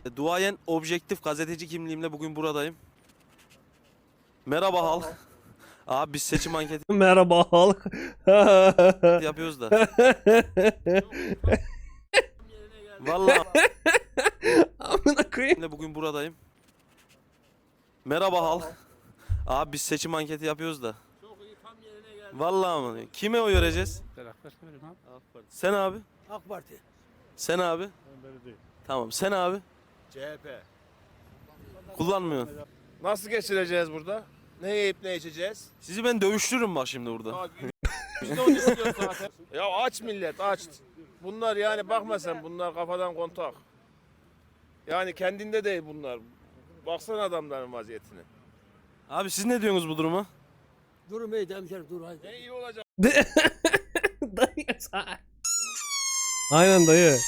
Duayen objektif gazeteci kimliğimle bugün buradayım. Merhaba halk. Abi biz seçim anketi Merhaba halk. yapıyoruz da. Vallahi Amına koyayım. bugün buradayım. Merhaba halk. Abi biz seçim anketi yapıyoruz da. Vallahi mı? Kime oy vereceğiz? Sen abi. AK Parti. Sen abi. Tamam sen abi. CHP. Kullanmıyorsun. Nasıl geçireceğiz burada? Ne yiyip ne içeceğiz? Sizi ben dövüştürürüm bak şimdi burada. Biz de onu istiyoruz zaten. Ya aç millet aç. Bunlar yani bakma sen bunlar kafadan kontak. Yani kendinde değil bunlar. Baksana adamların vaziyetine. Abi siz ne diyorsunuz bu duruma? Durum iyi hemşerim dur haydi. Ne iyi olacak. Dayı. Aynen dayı.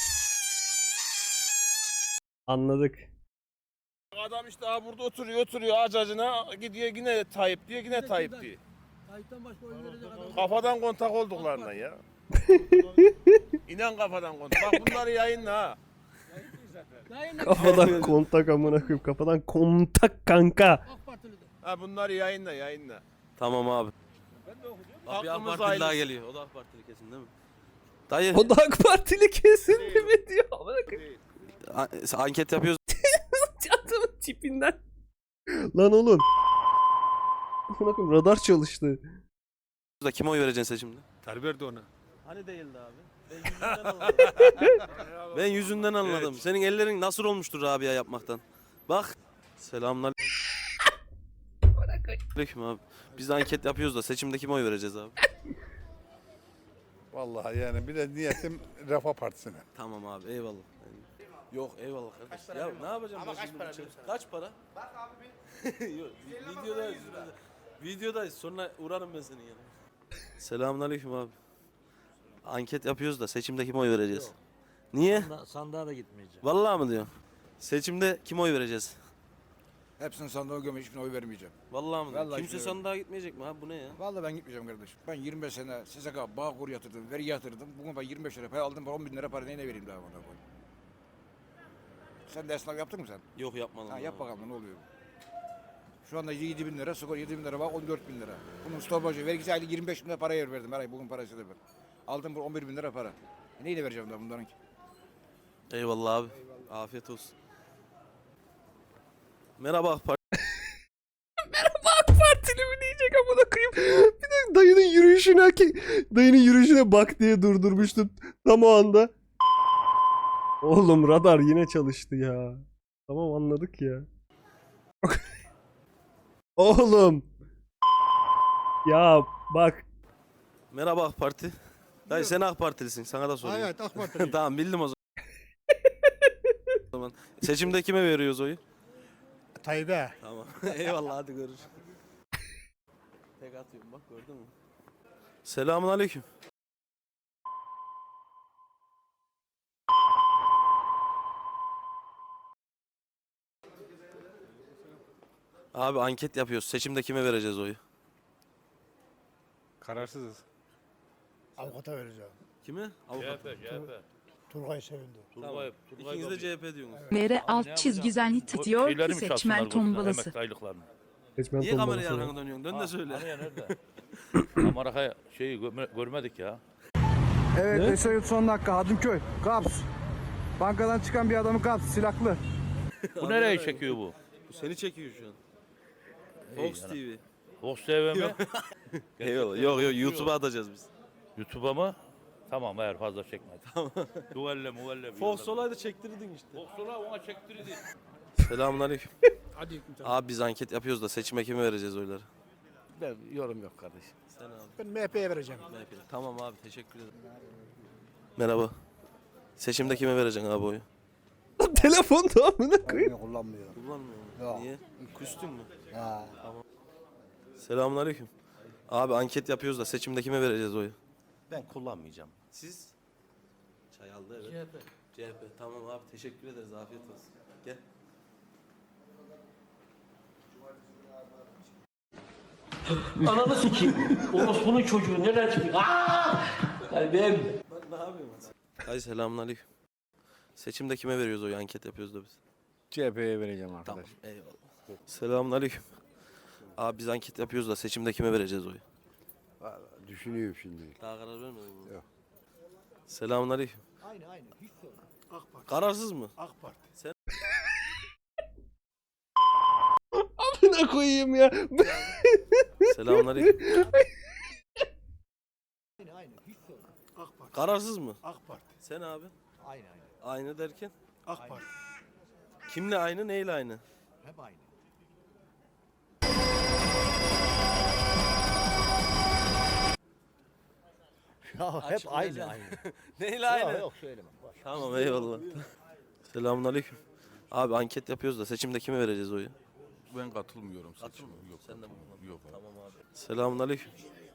Anladık. Adam işte ha burada oturuyor ağaç acına gidiyor yine Tayyip diyor yine Tayyip diyor. Tayyip'ten başka oy verecek adam. Kafadan kontak olduklarından ya. İnan kafadan kontak. Bak bunları yayınla ha. Kafadan kontak amına koyayım. Kafadan kontak kanka. AK Partili de. Ha bunları yayınla. Tamam abi. Ben de okuyacağım. Bak bir AK Hakkımız Partili daha ailesi. geliyor. O da AK Partili kesin değil mi? Dayı O da AK Partili kesin değil mi diyor. Amına koyayım. anket yapıyoruz Adamın tipinden. Lan oğlum. Amına koyayım radar çalıştı. da kime oy vereceksin seçimde? Tayyip Erdoğan'a. Hani değildi abi? Ben yüzünden anladım. Senin ellerin nasıl olmuştur Rabia yapmaktan? Bak. Selamünaleyküm abi. Biz de anket yapıyoruz da seçimde kime oy vereceğiz abi? Vallahi yani bir de niyetim Refah Partisi'ne. Tamam abi eyvallah. Yok eyvallah kardeş. Ya ne yapacağım ben şimdi? Kaç para? Bak abi bir. Yok, videodayız. Sonra uğrarım ben senin yanına. Selamünaleyküm abi. Anket yapıyoruz da seçimde kime oy vereceğiz? Niye? Sandığa da gitmeyeceğim. Vallahi mı diyorsun? Seçimde kime oy vereceğiz? Hepsini sandığa gömüş, hiçbirine oy vermeyeceğim. Vallahi mı? Vallahi Kimse hiç sandığa gitmeyecek mi abi? Bu ne ya? Vallahi ben gitmeyeceğim kardeşim. Ben 25 sene SSK, Bağkur yatırdım, vergi yatırdım. Bugün ben 25 lira para aldım, 10 bin lira para neyine vereyim daha bana koy. Sen de esnaf yaptın mı sen? Yok yapmadım. Ha, yap bakalım ne oluyor? Şu anda 7 bin lira, skor 7 bin lira var, 14 bin lira. Bunun stopajı, vergisi aylık 25 bin lira para yer verdim her ay, bugün parası da ben. Aldım bu 11 bin lira para. Neyle vereceğim daha bunların ki? Eyvallah abi. Afiyet olsun. Merhaba AK Parti. AK Partili mi diyecek amına koyayım. Bir de dayının yürüyüşüne bak diye durdurmuştum tam o anda. Oğlum radar yine çalıştı ya. Tamam anladık ya. Oğlum. Ya bak. Merhaba AK Parti. Dayı sen AK Partilisin. Sana da soruyorum. Evet AK Partili. Tamam bildim o zaman. O zaman. Seçimde kime veriyoruz oyu? Tayyip'e. Tamam. Eyvallah hadi görüşürüz. Tek atıyorum bak gördün mü? Selamünaleyküm. Abi anket yapıyoruz. Seçimde kime vereceğiz oyu? Kararsızız. Avukata vereceğim. Kime? Avukat. Turgay Sevindi. Tamam. İkiniz de CHP diyorsunuz. Mere alt çizgiden tutuyor ki seçmen tombalası. Aylıklarını. Seçmen Niye kamerayı tombalası. arkana dönüyorsun? Dön de söyle. Hani ya nerede? Amerika şeyi görmedik ya. Evet, Ne? Esenyurt son dakika, Hadımköy, Kaps. Bankadan çıkan bir adamı Kaps, silahlı. Bu nereye çekiyor bu? Bu seni çekiyor şu an. Fox TV. Fox TV mi? Eyvallah. Yok YouTube'a atacağız biz. YouTube'a mı? Tamam eğer fazla çekme. Tamam. Duvelle. Fox olaydı çektirirdin işte. Fox ola ona çektirdi. Selamünaleyküm. Hadi. Abi biz anket yapıyoruz da seçime kime vereceğiz oyları? Ben yorum yok kardeşim. Sen abi. Ben MHP'ye vereceğim. Tamam abi teşekkür ederim. Merhaba. Seçimde kime vereceksin abi oyu? Telefonda amına koyayım. Kullanmıyorum. Kullanmıyor mu? Yok. Niye? Küstün mü? Ha. Selamünaleyküm. Abi anket yapıyoruz da seçimde kime vereceğiz oyu? Ben kullanmayacağım. Siz? Çay aldı evet. CHP. Tamam abi teşekkür ederiz. Afiyet olsun. Gel. Ananı sikeyim. Orospu'nun çocuğu nereden çıkıyor? Aaa! Yani ben... Ne yapıyorsun? Hayır selamünaleyküm. Seçimde kime veriyoruz oyu? Anket yapıyoruz da biz. CHP'ye vereceğim arkadaş. Tamam eyvallah. Selamünaleyküm. Abi biz anket yapıyoruz da seçimde kime vereceğiz oyu? Düşünüyorum şimdi. Daha karar vermedin mi? Yok. Selamünaleyküm. Aynı hiç sorun. AK Parti. Kararsız mı? AK Parti. Amına koyayım ya. Selamünaleyküm. Aynı hiç sorun. AK Parti. Kararsız mı? AK Parti. Sen abi? Aynı. Aynı derken? AK Parti. Kimle aynı, neyle aynı? Hep aynı. Ya hep aynı. Neyle aynı? Yok söyleme. Tamam eyvallah. Selamünaleyküm. Abi anket yapıyoruz da seçimde kime vereceğiz oyu? Ben katılmıyorum seçime. Yok. Sen de mi? Yok. Tamam abi. Selamünaleyküm.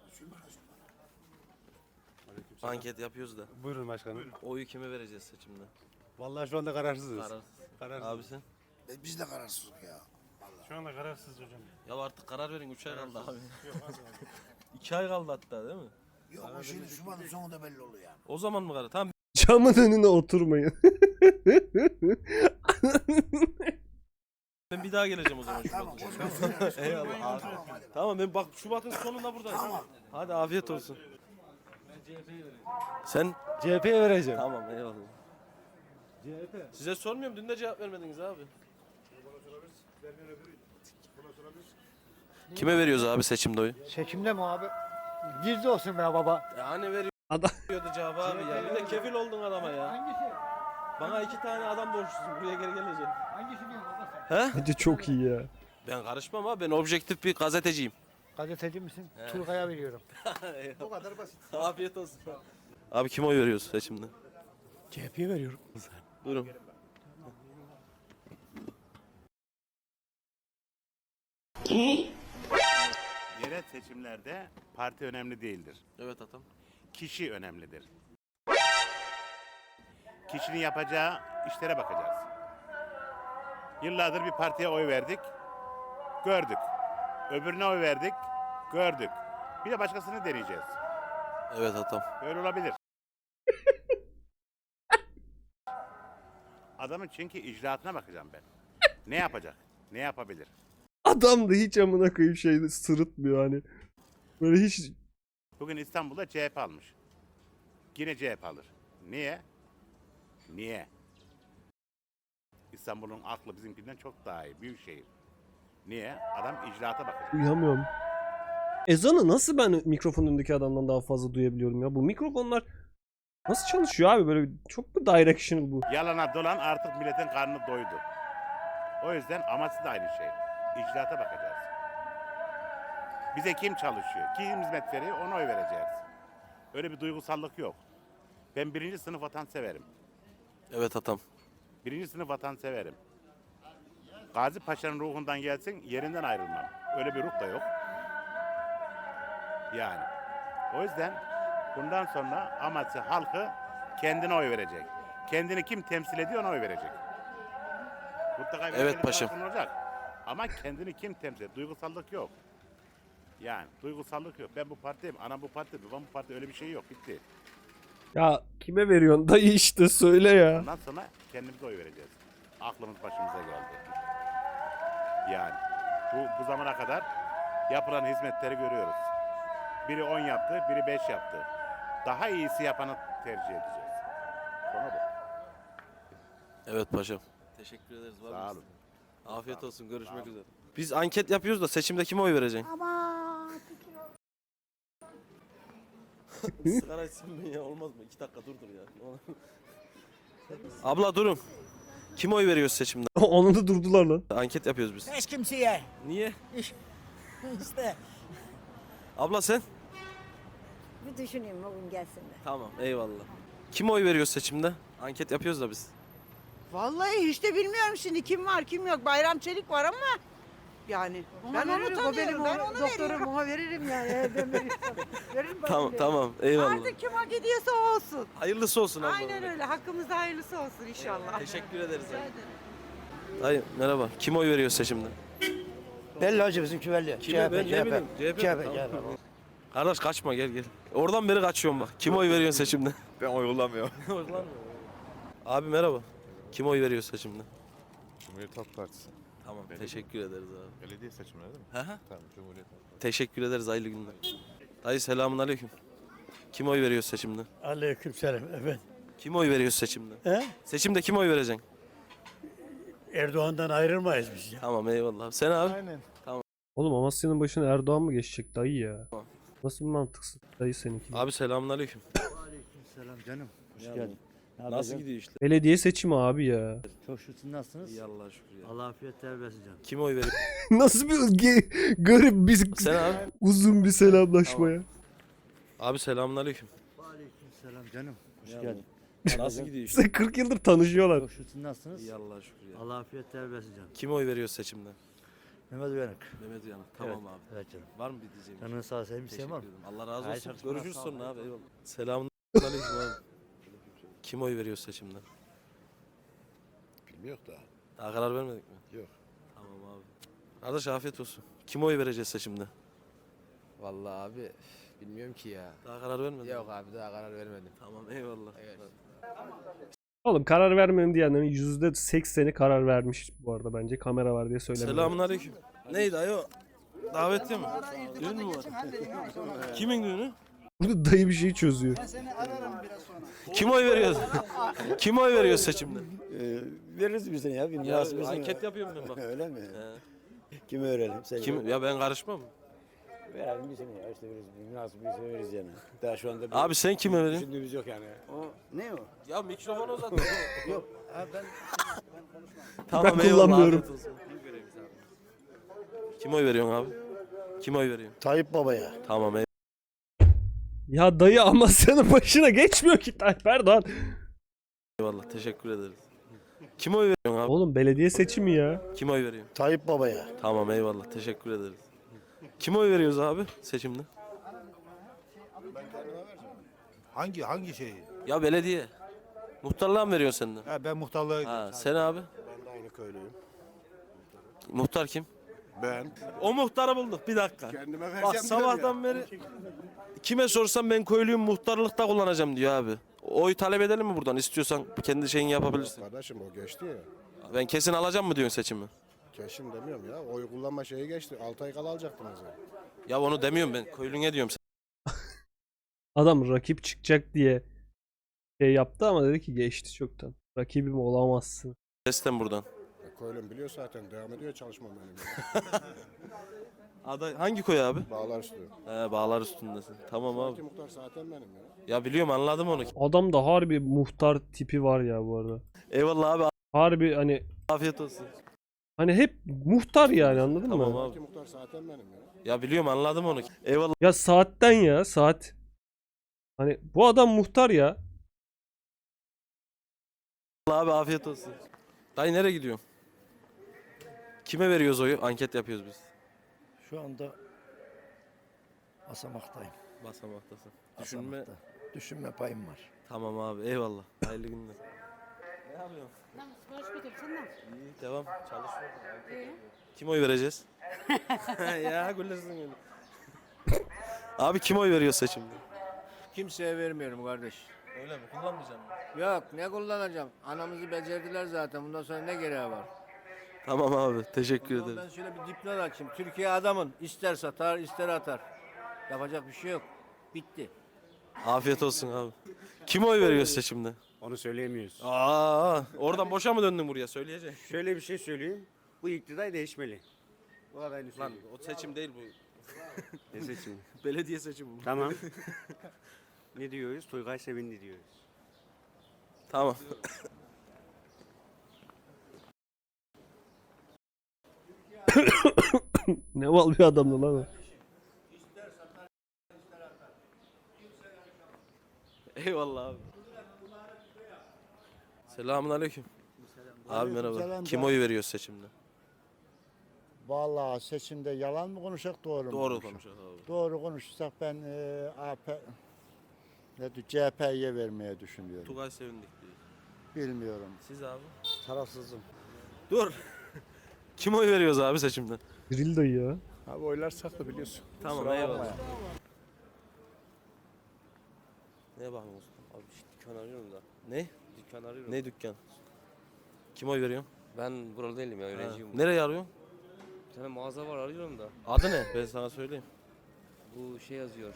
Anket yapıyoruz da. Buyurun başkanım. Oyu kime vereceğiz seçimde? Vallahi şu anda kararsızız. Kararsız. Abi sen? Biz de kararsızız ya. Şu anda kararsız hocam. Ya artık karar verin 3 ay kaldı abi. 2 ay kaldı hatta değil mi? Yok o şimdi Şubat'ın sonunda belli oluyor yani. O zaman mı karar? Tamam. Camın önüne oturmayın. Ben bir daha geleceğim o zaman Tamam. Şubat'ın. Eyvallah abi. Tamam ben bak Şubat'ın sonunda buradayım. Tamam. Hadi afiyet olsun. Sen? CHP'ye vereceğim. Tamam eyvallah. Size sormuyorum dün de cevap vermediniz abi. Kime veriyoruz abi seçimde oyu? Çekimde mi abi? Gizli olsun be baba. Ya hani Adam veriyordu cevabı abi ya. Bir de kefil oldun adama ya. Hangisi? Bana 2 tane adam borçlusun. Buraya geri geleceksin. Hangisi diyorsun baba sen? He? bence çok iyi ya. Ben karışmam abi. Ben objektif bir gazeteciyim. Gazeteci misin? Turgay'a veriyorum. Bu kadar basit. Afiyet olsun. Abi kime oy veriyoruz seçimde? CHP'ye veriyorum. Buyurun. Yerel seçimlerde parti önemli değildir. Evet atam. Kişi önemlidir. Kişinin yapacağı işlere bakacağız. Yıllardır bir partiye oy verdik, gördük. Öbürüne oy verdik, gördük. Bir de başkasını deneyeceğiz. Evet atam. Böyle olabilir. Adamın çünkü icraatına bakacağım ben. Ne yapacak? Ne yapabilir? Adam da hiç amına koyayım şey sırıtmıyor hani. Böyle hiç Bugün İstanbul'da CHP almış. Yine CHP alır. Niye? Niye? İstanbul'un aklı bizimkinden çok daha iyi. Büyük şehir. Niye? Adam icraata bakacak. duyamıyorum. Ezanı nasıl ben mikrofonun önündeki adamdan daha fazla duyabiliyorum ya? Bu mikrofonlar nasıl çalışıyor abi? Böyle çok mu directional bu? Yalana dolan artık milletin karnı doydu. O yüzden amacı da aynı şey. İcraata bakacağız. Bize kim çalışıyor? Kim hizmet veriyor? Ona oy vereceğiz. Öyle bir duygusallık yok. Ben 1. sınıf vatanseverim. Evet atam. 1. sınıf vatanseverim. Gazi Paşa'nın ruhundan gelsin, yerinden ayrılmam. Öyle bir ruh da yok. Yani. O yüzden bundan sonra amacı halkı kendine oy verecek. Kendini kim temsil ediyor ona oy verecek. Mutlaka bir Evet belli paşam. bir olacak. Ama kendini kim temsil ediyor? Duygusallık yok. Yani duygusallık yok. Ben bu partiyim, anam bu parti, babam bu parti, öyle bir şey yok. Bitti. Ya kime veriyorsun dayı işte söyle ya. Ondan sonra kendimize oy vereceğiz. Aklımız başımıza geldi. Yani bu zamana kadar yapılan hizmetleri görüyoruz. Biri 10 yaptı, biri 5 yaptı. Daha iyisi yapanı tercih edeceğiz. Konu bu. Evet paşam. Teşekkür ederiz. Var Sağ mısın? olun. Afiyet olsun. Görüşmek üzere. Biz anket yapıyoruz da seçimde kime oy vereceksin? Sigara içsin mi ya? Olmaz mı? 2 dakika dur ya. Abla durun. Kime oy veriyoruz seçimde? Onu da durdular lan. Anket yapıyoruz biz. Hiç kimseye. Niye? İşte. Abla sen? Bir düşüneyim bugün gelsinler. Tamam eyvallah. Kime oy veriyoruz seçimde? Anket yapıyoruz da biz. Vallahi hiç de bilmiyorum şimdi kim var kim yok. Bayram Çelik var ama yani ben onu tanıyorum. Ben onu veririm. Ona veririm yani. Ben veririm. Tamam eyvallah. Artık kim hak ediyorsa o olsun. Hayırlısı olsun abla. Aynen öyle. Hakkımızda hayırlısı olsun inşallah. Teşekkür ederiz. Dayı merhaba. Kime oy veriyoruz seçimde? Belli hacı bizimki belli. Kime? Ben ne bileyim. CHP. Kardeş kaçma gel gel. Oradan beri kaçıyorum bak. Kime oy veriyorsun seçimde? Ben oy kullanmıyorum. Abi merhaba. Kime oy veriyorsun seçimde? Cumhuriyet Halk Partisi. Tamam teşekkür ederiz abi. Belediye seçimleri değil mi? Hı hı. Tamam, Cumhuriyet Halk Partisi. Teşekkür ederiz, hayırlı günler. Dayı selamun aleyküm. Kim oy veriyor seçimde? Aleykümselam evet. Kim oy veriyor seçimde? He? Seçimde kim oy vereceksin? Erdoğan'dan ayrılmayız biz ya. Tamam eyvallah. Sen abi? Aynen. Oğlum Amasya'nın başına Erdoğan mı geçecek dayı ya? Tamam. Nasıl bir mantıksız dayı seninki? Abi selamun aleyküm. Selam canım. Hoş geldin. Nasıl gidiyor işte? Belediye seçimi abi ya. Çok şükür nasılsınız? İyi Allah'a şükür ya. Allah afiyetler versin canım. Kim oy veriyor? Nasıl bir garip bir Sen abi? uzun bir selamlaşma ya. Abi selamun aleyküm. Selam canım. Hoş geldin. Nasıl gidiyor işte? İşte 40 yıldır tanışıyorlar. Çok şükür nasılsınız? İyi Allah'a şükür ya. Allah afiyetler versin canım. Kim oy veriyor seçimde? Mehmet Uyanık. Mehmet Uyanık. Tamam Evet. abi. Evet canım. Var mı bir diyeceğim? Canın sağ olsun. Sevmiş Teşekkür var mı? ederim. Allah razı Hayır, olsun. çalışmalar Görüşürüz sağ ol. sonra abi. Eyvallah. Selamun aleyküm abi. Kim oy veriyor seçimde? Bilmiyor da. Daha karar vermedik mi? Yok. Tamam abi. Kardeş afiyet olsun. Kim oy vereceğiz seçimde? Vallahi abi bilmiyorum ki ya. Daha karar vermedin Yok mi? abi daha karar vermedim. Tamam eyvallah. Evet. Oğlum karar vermem diyenlerin %80'i karar vermiş bu arada bence. Kamera var diye söylemiyorum. Selamun aleyküm. Neydi ayo? Davetli mi? Düğün mü var? Kimin düğünü? Burada dayı bir şey çözüyor. Kim oy veriyor? Kim oy veriyor seçimde? Veririz bize ya. Bir Ya anket yapıyorum ben bak. Öyle mi? He. Kimi öğrenelim? Kim? Ya ben karışmam. Verelim bize ya. İşte veririz. Nasıl bize veririz yani. Daha şu anda Abi sen kime veriyorsun? düşündüğümüz yok yani. O ne o? Ya mikrofonu uzat. Yok. Ha, ben Tamam Ben eyvallah, kullanmıyorum. afiyet olsun. Kim oy veriyorsun abi? Kim oy veriyor? Tayyip Baba'ya. Tamam Ya dayı Amasya'nın başına geçmiyor ki Tayyip Erdoğan. eyvallah teşekkür ederiz. Kim oy veriyorsun abi? Oğlum belediye seçimi ya. Kim oy veriyor? Tayyip Baba'ya. Tamam eyvallah teşekkür ederiz. Kim oy veriyoruz abi seçimde? Hangi şeyi? Ya belediye. Muhtarlığa mı veriyorsun sen de? Ha, ben muhtarlığa Ha, sen abi? Ben de aynı köylüyüm. Muhtar kim? Ben. O muhtarı bulduk bir dakika. Kendime vereceğim. Bak sabahtan beri kime sorsam ben köylüyüm muhtarlıkta kullanacağım diyor abi. Oy talep edelim mi buradan? İstiyorsan kendi şeyini yapabilirsin. Kardeşim o geçti ya. Ben kesin alacağım mı diyorsun seçimi? Keşim demiyorum ya. Oy kullanma şeyi geçti. 6 ay kala alacaktınız ya. Ya onu demiyorum ben. Köylüne diyorum. Adam rakip çıkacak diye şey yaptı ama dedi ki geçti çoktan. Rakibim olamazsın. Sesten buradan. Köylüm biliyor zaten. Devam ediyor çalışmam benim. Aday hangi köy abi? Bağlar üstü. He bağlar üstündesin. Tamam abi. Muhtar zaten benim ya. Ya biliyorum anladım onu. Adamda harbi muhtar tipi var ya bu arada. Eyvallah abi. Harbi hani Afiyet olsun. hep muhtar yani anladın Tamam mı? abi. Muhtar zaten benim ya. Ya biliyorum anladım onu. Eyvallah Ya saatten ya saat. Hani bu adam muhtar ya. abi afiyet olsun. Dayı nereye gidiyorsun? Kime veriyoruz oyu? Anket yapıyoruz biz. Şu anda basamaktayım. Basamaktasın. Düşünme. Basamakta. Düşünme payım var. Tamam abi eyvallah. Hayırlı günler. Ne yapıyorsun? İyi devam. Çalışıyorum. Kim oy vereceğiz? Ya gülürsün öyle. Abi kim oy veriyor seçimde? Kimseye vermiyorum kardeş. Öyle mi? Kullanmayacağım mı? Yok ne kullanacağım? Anamızı becerdiler zaten. Bundan sonra ne gereği var? Tamam abi teşekkür Ben ederim. şöyle bir dipnot açayım. Türkiye adamın. İster satar ister atar. Yapacak bir şey yok. Bitti. Afiyet olsun abi. Kim oy veriyor seçimde? Onu söyleyemiyoruz. Oradan boşa mı döndün buraya söyleyeceksin? Şöyle bir şey söyleyeyim. Bu iktidar değişmeli. Bu adayını Lan o seçim değil bu. Ne seçimi? Belediye seçimi bu. Tamam. Ne diyoruz? Toygay Sevindi diyoruz. Tamam. Ne mal bir adamdı lan o. Eyvallah abi. Selamun aleyküm. Abi merhaba. Aleykümselam Kim canım. oy veriyor seçimde? Vallahi seçimde yalan mı konuşacak doğru mu? Doğru konuşacak? konuşalım abi. Doğru konuşursak ben CHP'ye vermeye düşünüyorum. Tugay sevindik diyor. Bilmiyorum. Siz abi? Tarafsızım. Dur. Kim oy veriyoruz abi seçimde? Drill dayı ya. Abi oylar saklı biliyorsun. Tamam eyvallah. Neye bakıyorsun? Abi dükkan arıyorum da. Ne? Dükkan arıyorum. Ne dükkan? Kim oy veriyor? Ben buralı değilim ya, öğrenciyim. Nereye arıyorsun? Bir tane mağaza var, arıyorum da. Adı ne? Ben sana söyleyeyim. Bu şey yazıyor.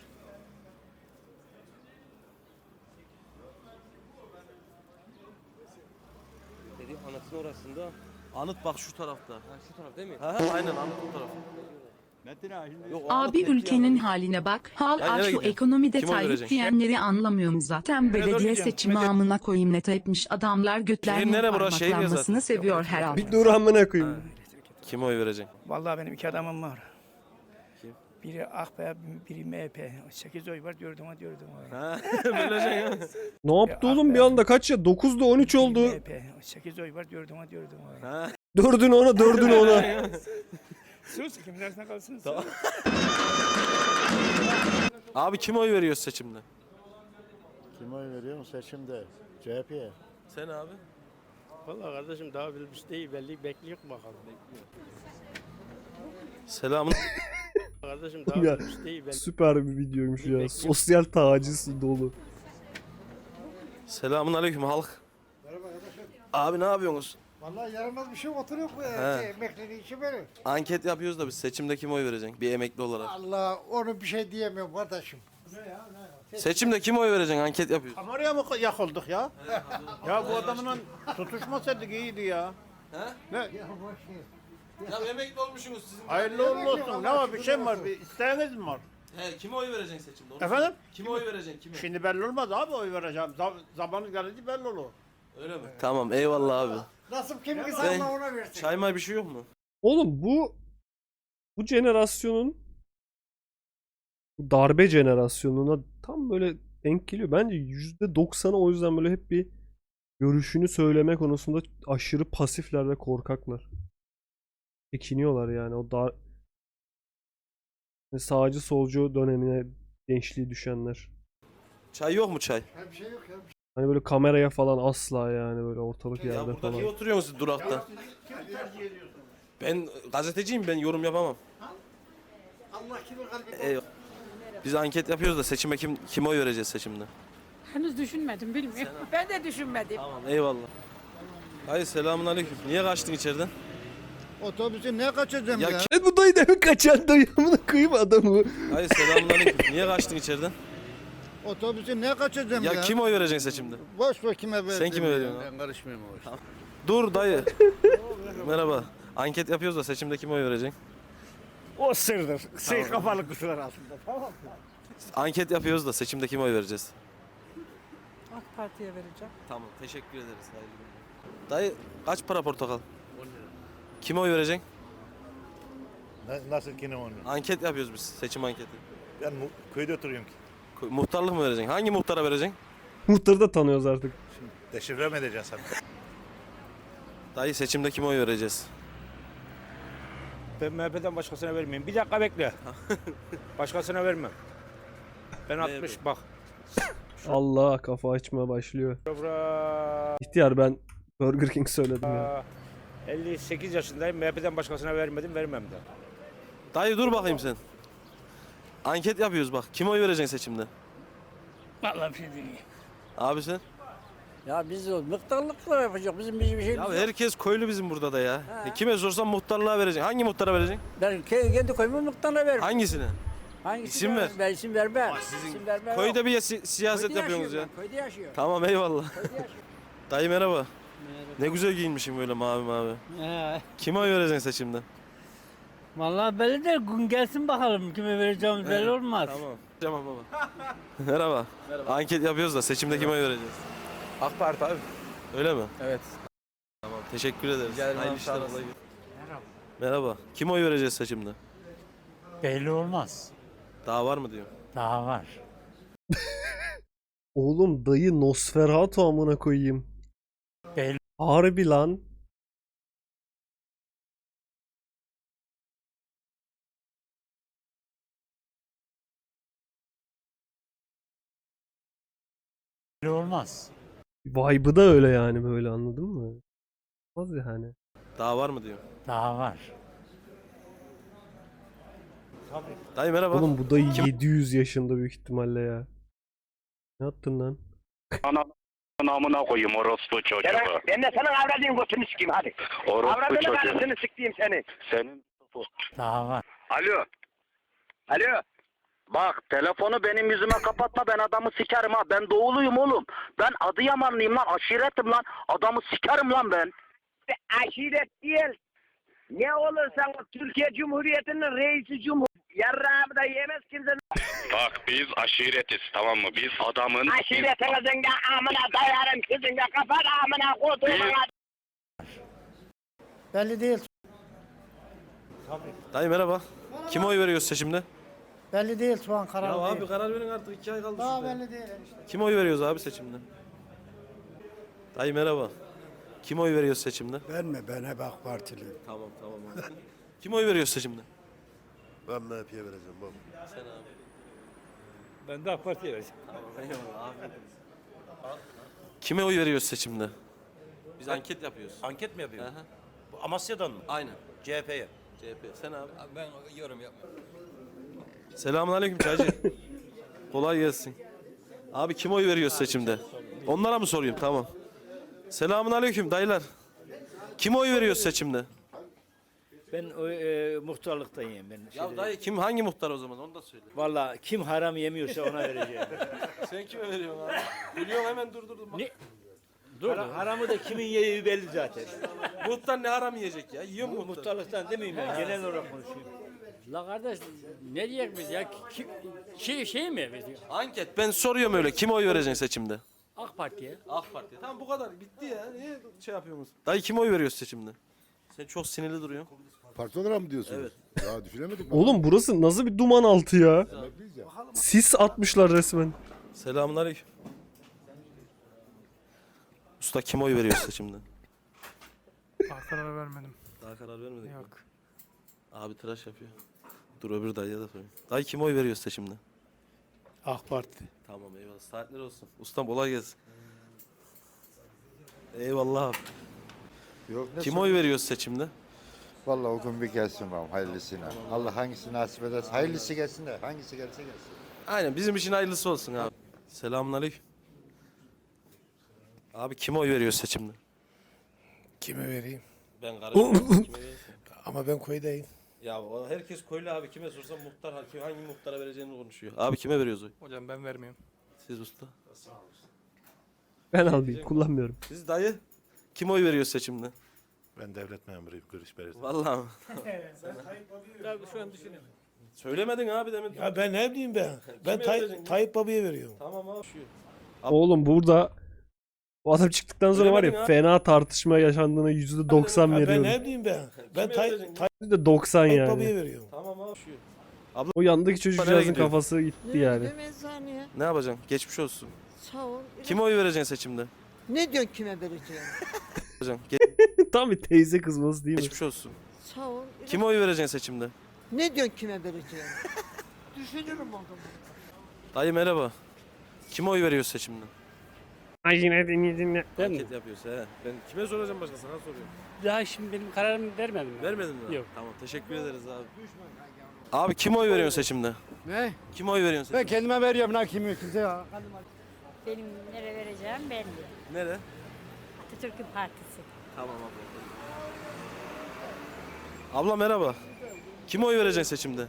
Dedi anıtın orasında. Anıt bak şu tarafta. Ha, şu taraf değil mi? Aynen anıt bu taraf. Yok, o anıt Abi net ülkenin yani. haline bak. Hal Ya aç nereye şu gidiyorsun? ekonomide Kim oy Tayyip verecek? diyenleri anlamıyorum zaten. Belediye seçimi amına koyayım net etmiş adamlar Şehir götlerinin nere bura? Şehir ya parmaklanmasını zaten. seviyor herhalde. Bir dur amına koyayım. Kime oy vereceksin? Vallahi benim iki adamım var. Kim? Biri AKP, biri MHP. 8 oy var, dördüme oy. Böleceksin ya. Ne yaptı oğlum bir anda kaç ya? 9'da 13 oldu. MHP. 8 oy var, dördüme oy. Dördünü ona, dördünü ona. Sus, kimin arasında kalsın? Tamam. Abi kime oy veriyoruz seçimde? Kime oy veriyorum seçimde? CHP'ye. Sen abi? Vallahi kardeşim daha bilmiş değil, belli bekliyor bakalım. Selamun. Kardeşim Ya, süper bir videoymuş ya. Sosyal taciz dolu. Selamun aleyküm halk. Merhaba arkadaşlar. Abi ne yapıyorsunuz? Vallahi yaramaz bir şey oturuyor bu emekliliği için böyle. Anket yapıyoruz da biz seçimde kime oy vereceksin? Bir emekli olarak. Allah onu bir şey diyemiyorum kardeşim. Seçimde kime oy vereceksin? Anket yapıyoruz. Kameraya mı yakıldık ya? Ya bu adamla tutuşmasaydık iyiydi ya. Ne? Ya emekli olmuşsunuz sizin. Hayırlı uğurlu olsun. Ne var bir şey mi var? Bir isteğiniz mi var? He, kime oy vereceksin seçimde? Onu Efendim? söyle. Kime oy vereceksin? Kime? Şimdi belli olmaz abi oy vereceğim. Zamanı gelince belli olur. Öyle mi? Tamam eyvallah abi. Nasıl kim ki Ben- sana ona versin. Çay bir şey yok mu? Oğlum bu jenerasyonun bu darbe jenerasyonuna tam böyle denk geliyor. Bence %90'ı o yüzden böyle hep bir görüşünü söyleme konusunda aşırı pasifler ve korkaklar. Çekiniyorlar yani o dar sağcı solcu dönemine gençliği düşenler. Çay yok mu çay? Bir şey yok ya. Hani böyle kameraya falan asla yani böyle ortalık Ya yerde burada niye falan. oturuyorsunuz siz durakta? Ben gazeteciyim, ben yorum yapamam. Allah kimin kalbini Eyvallah. Biz anket yapıyoruz da seçime kime oy vereceğiz seçimde? Henüz düşünmedim, bilmiyorum. Ben de düşünmedim. Tamam eyvallah. Hayır selamun aleyküm. Niye kaçtın içeriden? Otobüsü ne kaçıracağım Ya ya? Evet bu dayı demin kaçan dayı amına koyayım adamı. Hayır selamun aleyküm. Niye kaçtın içeriden? Otobüsü ne kaçıracağım Ya kime oy vereceksin seçimde? Boş ver kime vereceğim. Sen kime veriyorsun? Ben karışmıyorum o işe. Dur dayı. Merhaba. Anket yapıyoruz da seçimde kime oy vereceksin? O sırdır. Kafalı kutular altında. Tamam. Anket yapıyoruz da seçimde kime oy vereceğiz? AK Parti'ye vereceğim. Tamam teşekkür ederiz. Hayırlı günler. Dayı kaç para portakal? 10 lira. Kime oy vereceksin? Nasıl kime onu? Anket yapıyoruz biz. Seçim anketi. Ben köyde oturuyorum ki. Muhtarlık mı vereceksin? Hangi muhtara vereceksin? Muhtarı da tanıyoruz artık. Deşifre mi edeceksin sen? Dayı seçimde kime oy vereceğiz? Ben MHP'den başkasına vermeyeyim. Bir dakika bekle. Başkasına vermem. Ben 60 bak. Allah kafa açmaya başlıyor. Dobra. İhtiyar ben Burger King söyledim ya. 58 yaşındayım. MHP'den başkasına vermedim, vermem de. Dayı dur bakayım sen. Anket yapıyoruz bak. Kime oy vereceksin seçimde? Vallahi bir şey değil. Abi sen? Ya biz muhtarlıkla yapacak. Bizim bir şey Ya herkes köylü bizim burada da ya. Kime sorsam muhtarlığa vereceksin. Hangi muhtara vereceksin? Ben kendi koyumu muhtarına veririm. Hangisine? Hangisi İsim ver. Ben isim vermem. Sizin İsim vermem. köyde bir siyaset yapıyorsunuz ya. Köyde yaşıyor. Tamam eyvallah. Dayı merhaba. Ne güzel giyinmişim böyle mavi mavi. Kime oy vereceksin seçimde? Vallahi belli de gün gelsin bakalım kime vereceğimiz belli olmaz. Tamam. Tamam baba. Merhaba. Anket yapıyoruz da seçimde kime oy vereceğiz? AK Parti abi. Öyle mi? Evet. Tamam teşekkür ederiz. Rica ederim Hayırlı abi, sağ işler. olasın. kolay gelsin. Merhaba. Kime oy vereceğiz seçimde? Belli olmaz. Daha var mı diyor. Daha var. Oğlum dayı Nosferatu amına koyayım. Belli. Harbi lan. Belli olmaz. Vibe'ı da öyle yani böyle anladın mı? Az yani. Daha var mı diyor. Daha var. Dayı merhaba. Oğlum bu dayı 700 yaşında büyük ihtimalle ya. Ne yaptın lan? Namına koyayım orospu çocuğu. Ben de senin avradın götünü sikeyim hadi. Orospu çocuğu. Avradını sikeyim seni. Senin Alo. Alo. Bak telefonu benim yüzüme kapatma, ben adamı sikerim ha. Ben doğuluyum oğlum. Ben Adıyamanlıyım lan, aşiretim lan. Adamı sikerim lan ben. Aşiret değil. Ne olursan Türkiye Cumhuriyeti'nin reisi yarrağımı da yemez kimse. Bak biz aşiretiz, tamam mı? Biz adamın... Aşiretinizin de amına dayarım, sizin de kapat amına koduğum. Belli değil. Dayı merhaba. Kime oy veriyoruz seçimde? Belli değil şu an karar Ya değil. abi karar verin artık, 2 ay kaldı Daha şurada. belli değil işte. Kime oy veriyoruz abi seçimde? Dayı merhaba. Kime oy veriyoruz seçimde? Ben hep AK Partiliyim. Tamam abi. Kime oy veriyoruz seçimde? Ben MHP'ye vereceğim baba. Sen abi. Ben de AK Parti'ye vereceğim. Eyvallah abi. Kime oy veriyoruz seçimde? Biz anket yapıyoruz. Anket mi yapıyorsun? Aha. Amasya'dan mı? Aynen. CHP'ye. CHP. Sen abi. Ben yorum yapmıyorum. Selamünaleyküm Çaycı. Kolay gelsin. Abi kime oy veriyoruz seçimde? Onlara mı sorayım? Tamam. Selamünaleyküm dayılar. Kime oy veriyoruz seçimde? Ben muhtarlıktayım ben. Ya dayı kim hangi muhtar o zaman onu da söyle. Valla kim haram yemiyorsa ona vereceğim. Sen kime veriyorsun abi? Biliyorum hemen durdurdum. Ne? Haramı da kimin yediği belli zaten. Muhtar ne haram yiyecek ya? Yiyor mu muhtar? Muhtarlıktan demeyeyim ben. Genel olarak konuşayım. La kardeş ne diyecek biz ya? Şey mi biz? Anket ben soruyorum öyle. Kime oy vereceksin seçimde? AK Parti'ye. AK Parti. Tamam bu kadar bitti ya. Niye şey yapıyorsunuz? Dayı kime oy veriyorsun seçimde? Sen çok sinirli duruyorsun. Parti olarak mı diyorsunuz? Evet. Ya düşünemedik. Oğlum burası nasıl bir duman altı ya? Sis atmışlar resmen. Selamünaleyküm. Usta kime oy veriyorsun seçimde? Daha karar vermedim. Daha karar vermedik. mi? Yok. Abi tıraş yapıyor. Dur öbür dayıya da sorayım. Dayı kime oy veriyorsun seçimde? AK Parti. Tamam eyvallah. Saatler olsun. Ustam kolay gelsin. Eyvallah abi. Yok, Kime oy veriyorsun seçimde? Vallahi o gün bir gelsin bakalım hayırlısına. Allah hangisi nasip ederse hayırlısı gelsin de hangisi gelse gelsin. Aynen bizim için hayırlısı olsun abi. Selamünaleyküm. Abi kime oy veriyorsun seçimde? Kime vereyim? Ben karışmıyorum. Kime verirsin? Ama ben koydayım. Ya herkes köylü abi, kime sorsam muhtar hangi muhtara vereceğini konuşuyor. Abi kime veriyoruz oy? Hocam ben vermiyorum. Siz usta. Ben alayım kullanmıyorum. Siz dayı kime oy veriyor seçimde? Ben devlet memuruyum, görüş belirsin. Vallahi mi? Şu an düşünüyorum. Söylemedin abi demin. Ya ben ne bileyim ben. Ben Kime vereceksin? Tayyip Baba'ya veriyorum. Tamam abi. Şu. Oğlum burada bu adam çıktıktan sonra var ya Bilemedin fena tartışma yaşandığına %90 Ya ben veriyorum. ne bileyim ben. Ben Kime vereceksin? %90 Tayyip yani. Baba'ya veriyorum. Tamam abi. Şu. O yandaki çocukcağızın Nereye gidiyor? kafası gitti yani. Eczaneye. Ne yapacaksın? Geçmiş olsun. Sağ ol. Kime oy vereceksin seçimde? Ne diyorsun kime vereceğim? Yapacaksın. Tam bir teyze kızması değil mi? Geçmiş olsun. Sağ ol. Kime oy vereceksin seçimde? Ne diyorsun kime vereceğim? Düşünürüm o zaman. Dayı merhaba. Kime oy veriyorsun seçimde? Ay yine dinle. Anket yapıyoruz he. Ben kime soracağım başka, sana soruyorum. Daha şimdi benim kararımı vermedim. Vermedin mi? Yok. Tamam teşekkür ederiz abi. Abi kime oy veriyorsun seçimde? Ne? Kime oy veriyorsun Ben seçimde? kendime veriyorum lan kimi kimse ya. Benim nereye vereceğim belli. Nere? Atatürk'ün partisi. Tamam abla. Abla merhaba. Kime oy vereceksin seçimde?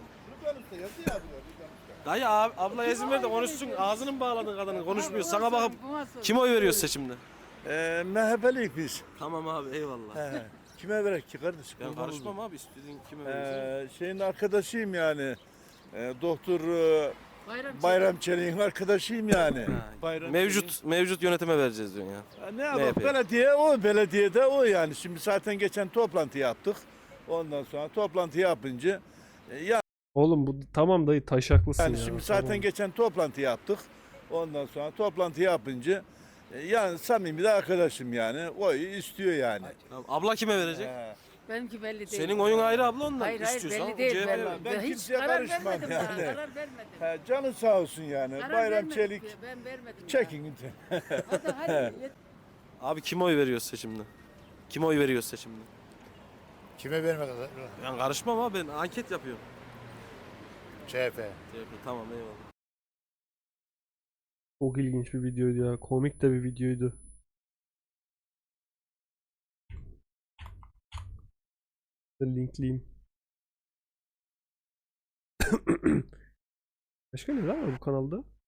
Dayı abi, abla izin ver de konuşsun. Ağzını mı bağladın kadının? Konuşmuyor. Sana bakıp kime oy veriyorsun seçimde? MHP'liyiz biz. Tamam abi eyvallah. Kime verek ki kardeşim? Ben karışmam abi. İstediğin kime verirsin? Şeyin arkadaşıyım yani. Doktor Bayram Çelik'in arkadaşıyım yani. Mevcut yönetime vereceğiz diyorsun ya. Ne yapalım? MHP. Belediyede o yani. Şimdi zaten geçen toplantı yaptık. Ondan sonra toplantı yapınca Oğlum bu tamam dayı taşaklısın yani ya. şimdi Tamam. zaten geçen toplantı yaptık. Ondan sonra toplantı yapınca yani samimi de arkadaşım yani. Oyu istiyor yani. Tamam. Abla kime verecek? Benimki belli değil. Senin oyun ayrı abla ondan. Hayır İstiyorsan belli değil. CHP 'ye ver. Ben Hiç kimseye karar karışmam vermedim yani. daha, karar vermedim. Canı sağ olsun yani. Karar Bayram vermedim Çelik ki, ben vermedim. çekin. Hadi. Abi kime oy veriyoruz seçimde? Kime oy veriyoruz seçimde? Kime vermek lazım? Ben karışmam abi, ben anket yapıyorum. CHP. Tamam eyvallah. Çok ilginç bir videoydu ya. Komik de bir videoydu. Linkleyeyim. Başka neler var bu kanalda?